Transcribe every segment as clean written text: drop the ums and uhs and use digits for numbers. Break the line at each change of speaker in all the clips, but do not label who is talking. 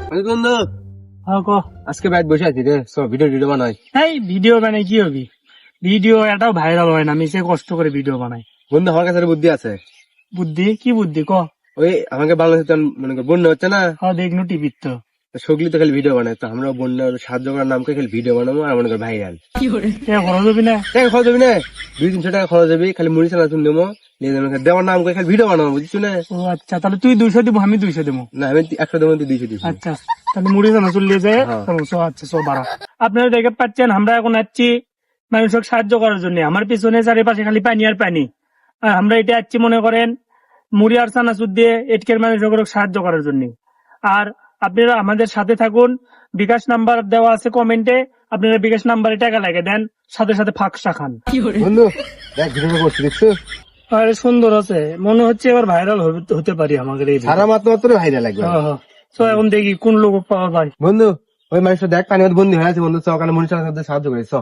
বন্ধু আজকে বাইরে বসে আছি রে, সব ভিডিও বানাই।
এই ভিডিও বানাই কি হবি? ভিডিও এটাও ভাইরাল হয় না, আমি সে কষ্ট করে ভিডিও বানাই।
বন্ধু আমার কাছে বুদ্ধি আছে।
বুদ্ধি? কি বুদ্ধি ক?
ওই আমাকে বাংলাদেশে মনে কর বন্যা হচ্ছে না,
হ্যাঁ দেখনু টিভির তো
সগলি তো খালি ভিডিও বানায়, তো আমরা বন্যার সাহায্য করার নাম করে খালি ভিডিও বানাবো আর মনে কর ভাইরাল।
খরচ হবি না?
টাকা খরচ হবে না, 200-300 টাকা খরচ হবে, খালি মুড়ি চানা চুন দেবো, দেওয়ার নাম করে খালি ভিডিও বানাবো, বুঝছো না?
ও আচ্ছা, তাহলে তুই 200 দিব, আমি 200 দেবো।
না আমি 100 দেবো, তুই 200 দিবি।
আচ্ছা তাহলে মুড়ি জানা চলিয়ে যায়। আচ্ছা সব বাড়া। আপনারা দেখে পাচ্ছেন আমরা এখন যাচ্ছি মানুষকে সাহায্য করার জন্য। আমার পিছনে চারিপাশে খালি পানি আর পানি, আর আমরা এটা যাচ্ছি মনে করেন মুড়ি আর চানাচুর দিয়ে এটকের মানুষকে সাহায্য করার জন্য। আর আপনারা আমাদের সাথে থাকুন, বিকাশ নাম্বার দেওয়া আছে কমেন্টে, আপনারা বিকাশ নাম্বারে টাকা লাগে দেন, সাথে সাথে ফাঁকসা খান।
বন্ধু দেখ ভিডিও করছি, দেখছো?
আরে সুন্দর আছে, মনে হচ্ছে এবার ভাইরাল হতে পারি আমাদের এই
সারা মাত্র ভাইরাল লাগবে।
তো এখন দেখি কোন লোক পাওয়া যায়।
বন্ধু ওই মানুষটা দেখ পানি মধ্যে বন্দি হয়ে আছে, বন্ধু চক মুড়ি চানার সাথে সাহায্য করে চক।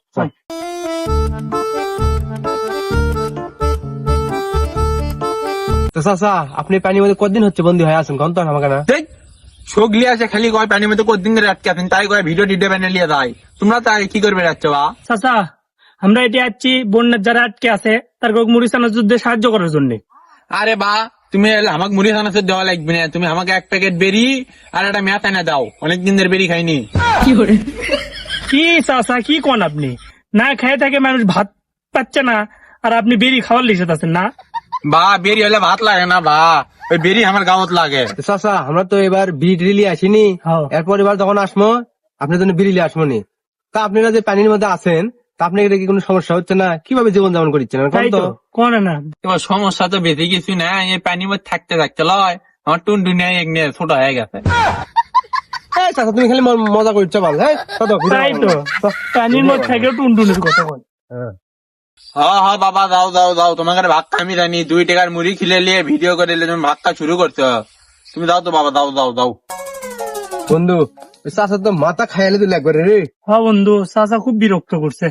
তো চাচা আপনি পানির মধ্যে কতদিন হচ্ছে বন্দি হয়ে আছেন কোন তো আমাকে না?
সগলি আছে খালি কয় পানির মধ্যে কতদিন ধরে আটকে আছেন, তাই কয় ভিডিও টিডিও বানিয়ে লিয়ে যায়। তোমরা তাই কি করবে যাচ্ছ বা?
চাচা আমরা এটি যাচ্ছি বন্যার যারা আটকে আছে তার মুড়ি চানাচুর দিয়ে সাহায্য করার জন্য।
আরে বা তুমি আমাকে মুড়ি চানাচুর দেওয়া লাগবে না, তুমি আমাকে 1 প্যাকেট বেরি আর একটা ম্যাথ এনে দাও, অনেকদিন ধরে বেরি খাইনি।
কি চাচা কি কোন আপনি? না খেয়ে থাকে মানুষ ভাত পাচ্ছে না, আর আপনি বেরি খাওয়ার লিখে আছেন না?
বা বেরি হলে ভাত লাগে না বা, ওই বেরি আমার গাঁৱত লাগে।
চাচা আমরা তো এবার বিড়ি আসিনি, এরপর এবার যখন আসবো আপনার জন্য বিড়ি আসবো নি। তা আপনারা যে পানির মধ্যে আছেন, তা আপনাদের কি কোনো সমস্যা হচ্ছে না? কিভাবে জীবন যাপন করছেন
কোন না?
এবার সমস্যা তো বেশি কিছু না, এই পানির মধ্যে থাকতে থাকতে লয় আমার টুনটুনি ছোট হয়ে গেছে।
চাচা তুমি খালি মজা করছো বল। হ্যাঁ
তাই তো, পানির মধ্যে থেকেও টুনটুনির কথা বল।
হ্যাঁ বাবা যাও যাও যাও, তোমাকে ভাত আমি জানি, 2 টাকার মুড়ি খিলে নিয়ে ভিডিও করে তুমি ভাত খা শুরু করছো। তুমি যাও তো বাবা, যাও যাও যাও।
বন্ধু চাচা তো মাথা খাইলে তুই লাগবে রে।
হ্যাঁ বন্ধু, চাচা খুব বিরক্ত করছে।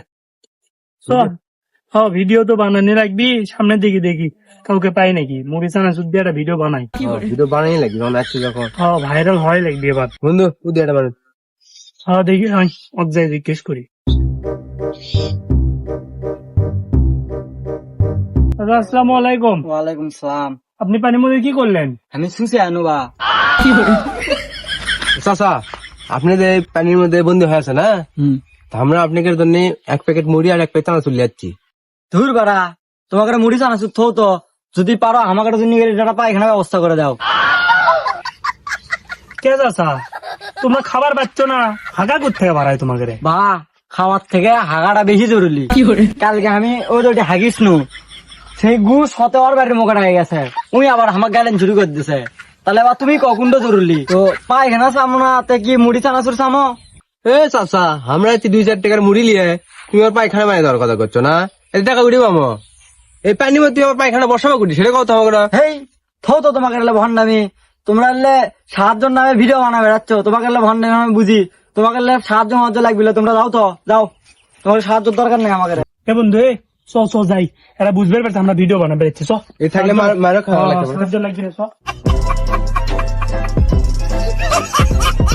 হ্যাঁ ভিডিও তো বানানি রাখবি, সামনের দিকে দেখি কাউকে পাই নাকি, মুড়ি চানাচুর দিয়ে একটা ভিডিও বানাই।
ভিডিও বানাই লাগবে বানাচ্ছি যখন।
হ্যাঁ ভাইরাল হয় লাগবে এবার।
বন্ধু তুই এটা বানাই।
হ্যাঁ দেখি অধ্যায় জিজ্ঞেস করি। আসসালামু আলাইকুম।
ওয়ালাইকুম সালাম।
আপনি পানির মধ্যে কি করলেন?
আমি শুনছি আনুবা।
চাচা আপনি যে পানির মধ্যে বন্দি হয়ে আছে না, আমরা আপনাদের জন্য 1 প্যাকেট মুড়ি আর 1 প্যাকেট চানাচুর নিয়ে যাচ্ছি।
ধুর বাড়া, তোমাকে মুড়ি চানাচুর থো তো, যদি পারো আমাকে জন্য এটা পায়খানা ব্যবস্থা করে দাও।
কে চাচা তোমরা খাবার পাচ্ছ না, হাগা করতে বাড়ায় তোমাকে?
বা খাওয়ার থেকে হাগাটা বেশি জরুরি। কালকে আমি ওই তো হাগিস নু, সেই গু সতে ওর বাড়ির মুখে হয়ে গেছে, উনি আবার আমাকে গালেন চুরি করে দিছে। তাহলে এবার তুমি কখন জরুরি তো পায়খানা চামো না, তে কি মুড়ি চানাচুর চামো?
এ চাচা আমরা 2-4 টাকার মুড়ি নিয়ে তুমি আর পায়খানা বানিয়ে দেওয়ার কথা করছো না? এই টাকা উঠি পাবো, এই পানির মধ্যে আমার পায়খানা বসাবো কুটি, সেটা কথা হবে না।
হেই থো তো, তোমাকে ভণ্ডামি। তোমরা সাহায্যের নামে ভিডিও বানা বেড়াচ্ছ, তোমাকে ভণ্ডামি আমি বুঝি। তোমাকে সাহায্য মাহায্য লাগবে, তোমরা যাও তো যাও, তোমার সাহায্যের দরকার নেই আমাকে।
বন্ধু চ যাই, এরা বুঝবে পারছে আমরা ভিডিও বানাবে যাচ্ছি।
এই থাকলে মারও খাওয়া লাগবে।
সাহায্য লাগবে।